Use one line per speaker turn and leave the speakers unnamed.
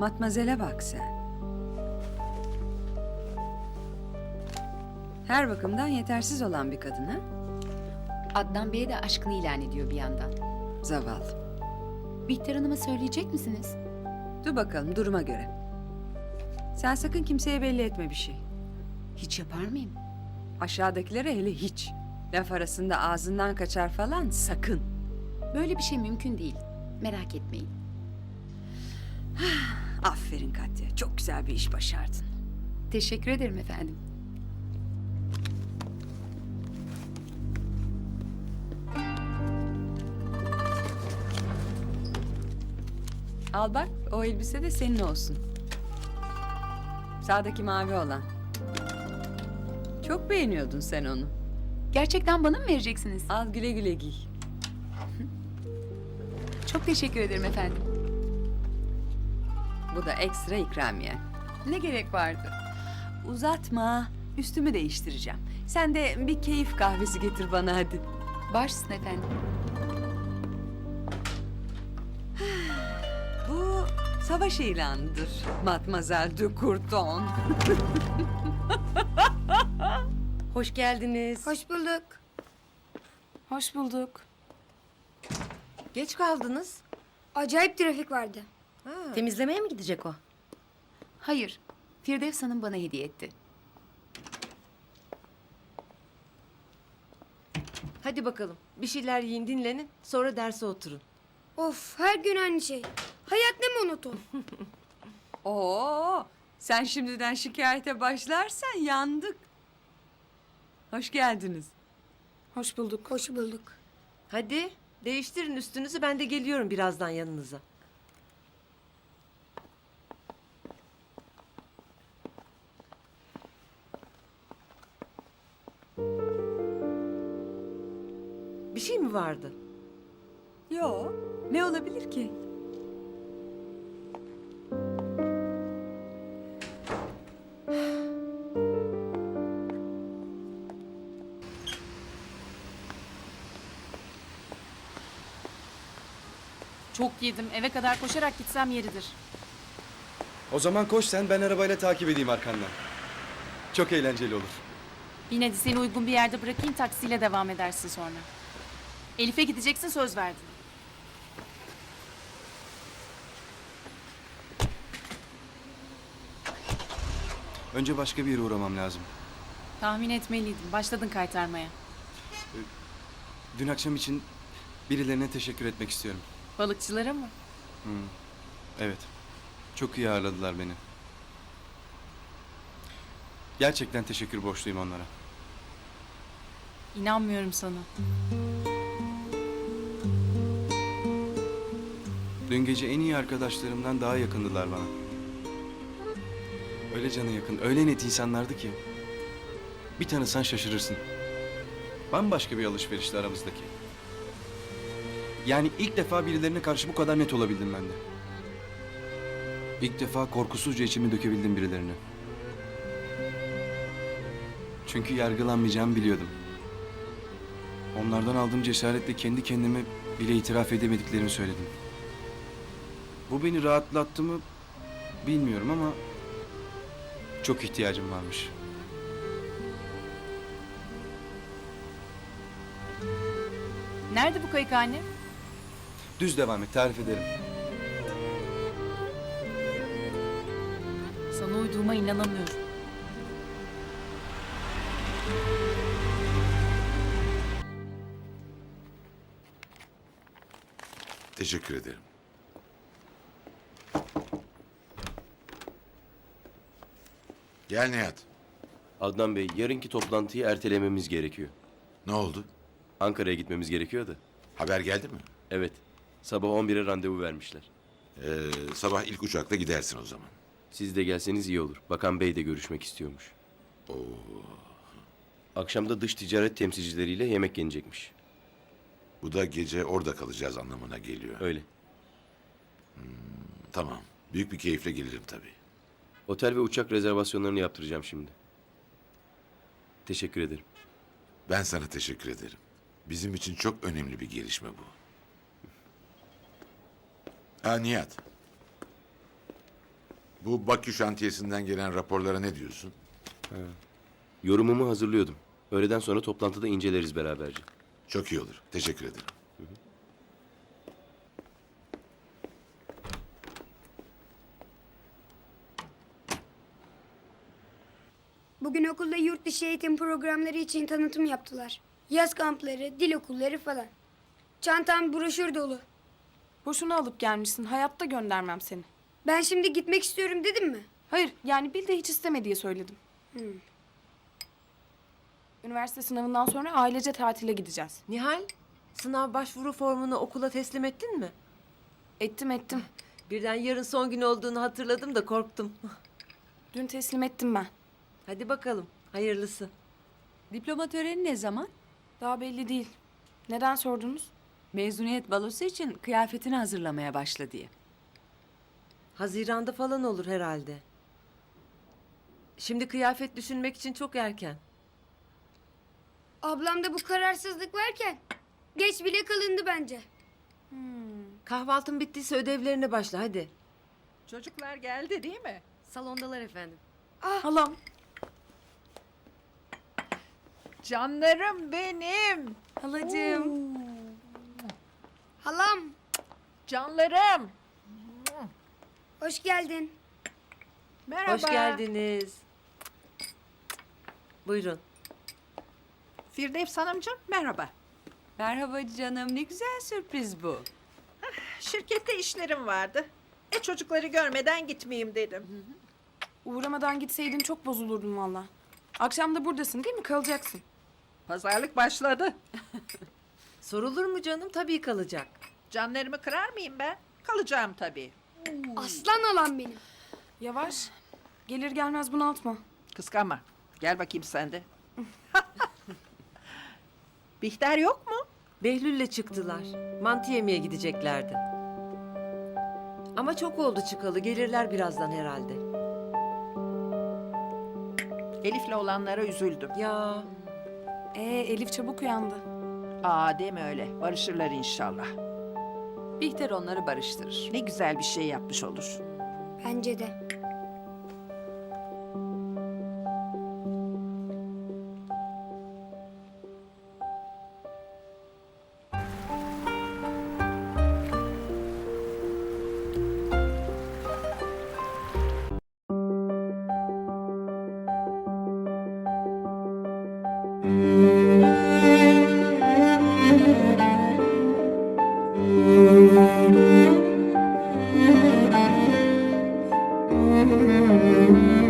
Matmazel'e bak sen. Her bakımdan yetersiz olan bir kadın ha?
Adnan Bey'e de aşkını ilan ediyor bir yandan.
Zavallı.
Bihter Hanım'a söyleyecek misiniz?
Dur bakalım duruma göre. Sen sakın kimseye belli etme bir şey.
Hiç yapar mıyım?
Aşağıdakilere hele hiç. Laf arasında ağzından kaçar falan sakın.
Böyle bir şey mümkün değil. Merak etmeyin.
Aferin Katya. Çok güzel bir iş başardın.
Teşekkür ederim efendim.
Al bak o elbise de senin olsun. Sağdaki mavi olan. Çok beğeniyordun sen onu.
Gerçekten bana mı vereceksiniz?
Al güle güle giy.
Çok teşekkür ederim efendim.
Bu da ekstra ikramiye.
Ne gerek vardı?
Uzatma. Üstümü değiştireceğim. Sen de bir keyif kahvesi getir bana hadi.
Başsın efendim.
Bu savaş ilanıdır. Mademoiselle de Courton.
Hoş geldiniz.
Hoş bulduk.
Hoş bulduk.
Geç kaldınız.
Acayip trafik vardı.
Temizlemeye mi gidecek o?
Hayır, Firdevs Hanım bana hediye etti.
Hadi bakalım. Bir şeyler yiyin, dinlenin. Sonra derse oturun.
Of, her gün aynı şey. Hayat ne monoton.
Oo, sen şimdiden şikayete başlarsan yandık. Hoş geldiniz.
Hoş bulduk.
Hoş bulduk.
Hadi değiştirin üstünüzü. Ben de geliyorum birazdan yanınıza. Bir şey mi vardı?
Yo, ne olabilir ki?
Çok yedim. Eve kadar koşarak gitsem yeridir.
O zaman koş sen, ben arabayla takip edeyim arkandan. Çok eğlenceli olur.
Yine de seni uygun bir yerde bırakayım, taksiyle devam edersin sonra. Elif'e gideceksin, söz verdin.
Önce başka bir yere uğramam lazım.
Tahmin etmeliydim. Başladın kaytarmaya.
Dün akşam için birilerine teşekkür etmek istiyorum.
Balıkçılara mı?
Evet, çok iyi ağırladılar beni. Gerçekten teşekkür borçluyum onlara.
İnanmıyorum sana.
Dün gece en iyi arkadaşlarımdan daha yakındılar bana. Öyle cana yakın, öyle net insanlardı ki. Bir tanısan şaşırırsın. Bambaşka bir alışverişti aramızdaki. Yani ilk defa birilerine karşı bu kadar net olabildim ben de. İlk defa korkusuzca içimi dökebildim birilerine. Çünkü yargılanmayacağımı biliyordum. Onlardan aldığım cesaretle kendi kendime bile itiraf edemediklerimi söyledim. Bu beni rahatlattı mı bilmiyorum ama çok ihtiyacım varmış.
Nerede bu kayık anne?
Düz devam et, tarif ederim.
Sana uyduğuma inanamıyorum.
Teşekkür ederim. Gel Nihat.
Adnan Bey, yarınki toplantıyı ertelememiz gerekiyor.
Ne oldu?
Ankara'ya gitmemiz gerekiyor da.
Haber geldi mi?
Evet, sabah 11'e randevu vermişler.
Sabah ilk uçakla gidersin o zaman.
Siz de gelseniz iyi olur. Bakan Bey de görüşmek istiyormuş. Akşam da dış ticaret temsilcileriyle yemek yenecekmiş.
Bu da gece orada kalacağız anlamına geliyor.
Öyle.
Tamam. Büyük bir keyifle gelirim tabii.
Otel ve uçak rezervasyonlarını yaptıracağım şimdi. Teşekkür ederim.
Ben sana teşekkür ederim. Bizim için çok önemli bir gelişme bu. Ha Nihat. Bu Bakü şantiyesinden gelen raporlara ne diyorsun?
Yorumumu hazırlıyordum. Öğleden sonra toplantıda inceleriz beraberce.
Çok iyi olur. Teşekkür ederim.
Bugün okulda yurt dışı eğitim programları için tanıtım yaptılar. Yaz kampları, dil okulları falan. Çantam broşür dolu.
Boşuna alıp gelmişsin. Hayatta göndermem seni.
Ben şimdi gitmek istiyorum dedim mi?
Hayır, yani Bil de hiç isteme diye söyledim. Üniversite sınavından sonra ailece tatile gideceğiz.
Nihal, sınav başvuru formunu okula teslim ettin mi?
Ettim.
Birden yarın son gün olduğunu hatırladım da korktum.
Dün teslim ettim ben.
Hadi bakalım, hayırlısı.
Diploma töreni ne zaman?
Daha belli değil. Neden sordunuz?
Mezuniyet balosu için kıyafetini hazırlamaya başla diye.
Haziran'da falan olur herhalde. Şimdi kıyafet düşünmek için çok erken.
Ablamda bu kararsızlık varken geç bile kalındı bence.
Kahvaltın bittiyse ödevlerine başla hadi.
Çocuklar geldi değil mi?
Salondalar efendim.
Halam.
Canlarım benim.
Halacığım.
Halam,
Canlarım.
hoş geldin.
Merhaba.
Hoş geldiniz. Buyurun.
Firdevs Hanımcığım merhaba.
Merhaba canım, ne güzel sürpriz bu.
Şirkette işlerim vardı. Çocukları görmeden gitmeyeyim dedim.
Uğramadan gitseydin çok bozulurdum valla. Akşam da buradasın değil mi? Kalacaksın.
Pazarlık başladı.
Sorulur mu canım? Tabii kalacak.
Canlarımı kırar mıyım ben? Kalacağım tabii.
Aslan halam benim.
Yavaş. Gelir gelmez bunaltma.
Kıskanma. Gel bakayım sen de. Bihter yok mu?
Behlül'le çıktılar. Mantı yemeye gideceklerdi. Ama çok oldu çıkalı. Gelirler birazdan herhalde.
Elif'le olanlara üzüldüm.
Ya
Elif çabuk uyandı.
Deme öyle. Barışırlar inşallah.
Bihter onları barıştırır.
Ne güzel bir şey yapmış olur.
Bence de.
Müzik